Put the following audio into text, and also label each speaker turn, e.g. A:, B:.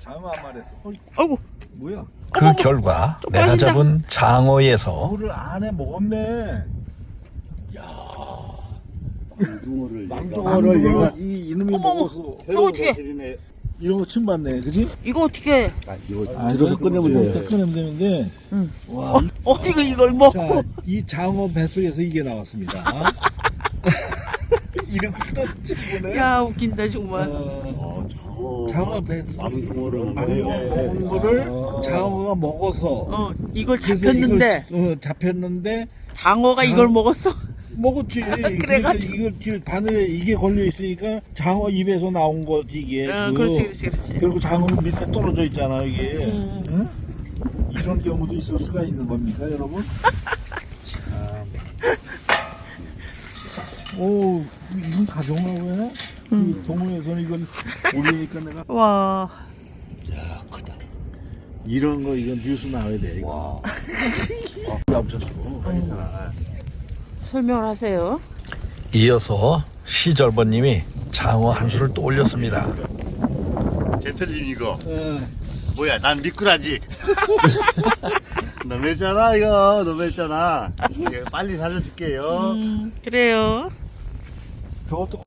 A: 장어 한 마리 했어.
B: 아이고.
A: 뭐야?
C: 그 결과
B: 또
C: 내가
B: 빠진다.
C: 잡은 장어에서
A: 물을 안에 먹었네. 망둥어를 얘가 이놈이
B: 어머, 어머.
A: 먹어서
B: 저거 어떻게?
A: 이런 거 처음 봤네, 그지?
B: 이거 어떻게?
A: 들어서 꺼내면 돼. 꺼내면 되는데.
B: 응.
A: 와,
B: 어디가 이걸 먹고?
A: 자, 이 장어 뱃속에서 이게 나왔습니다. 이렇게 떠지고네.
B: 야 웃긴다 정말.
A: 장어 뱃속 망둥어를 먹은 거를 장어가 먹어서.
B: 이걸
A: 그래서
B: 잡혔는데
A: 이걸, 잡혔는데
B: 장어가 이걸 먹었어.
A: 먹었지.
B: 그래가지고.
A: 이걸 지금 바늘에 이게 걸려 있으니까 장어 입에서 나온 거지 이게. 지금.
B: 그렇지.
A: 그리고 장어 밑에 떨어져 있잖아 이게. 응? 이런 경우도 있을 수가 있는 겁니까, 여러분? 참. 오, 이건 가져오라고 해? 이 동호회에서는 이걸 올리니까 내가.
B: 와.
A: 야, 크다. 이런 거 이건 뉴스 나와야 돼. 와. 없었어. 괜찮아.
B: 설명을 하세요.
C: 이어서 시절버님이 장어 한 수를 또 올렸습니다.
D: 젠틀님 이거 뭐야 난 미꾸라지 너무했잖아 이거 너무했잖아 이거 빨리 살려줄게요
B: 그래요.
A: 저것도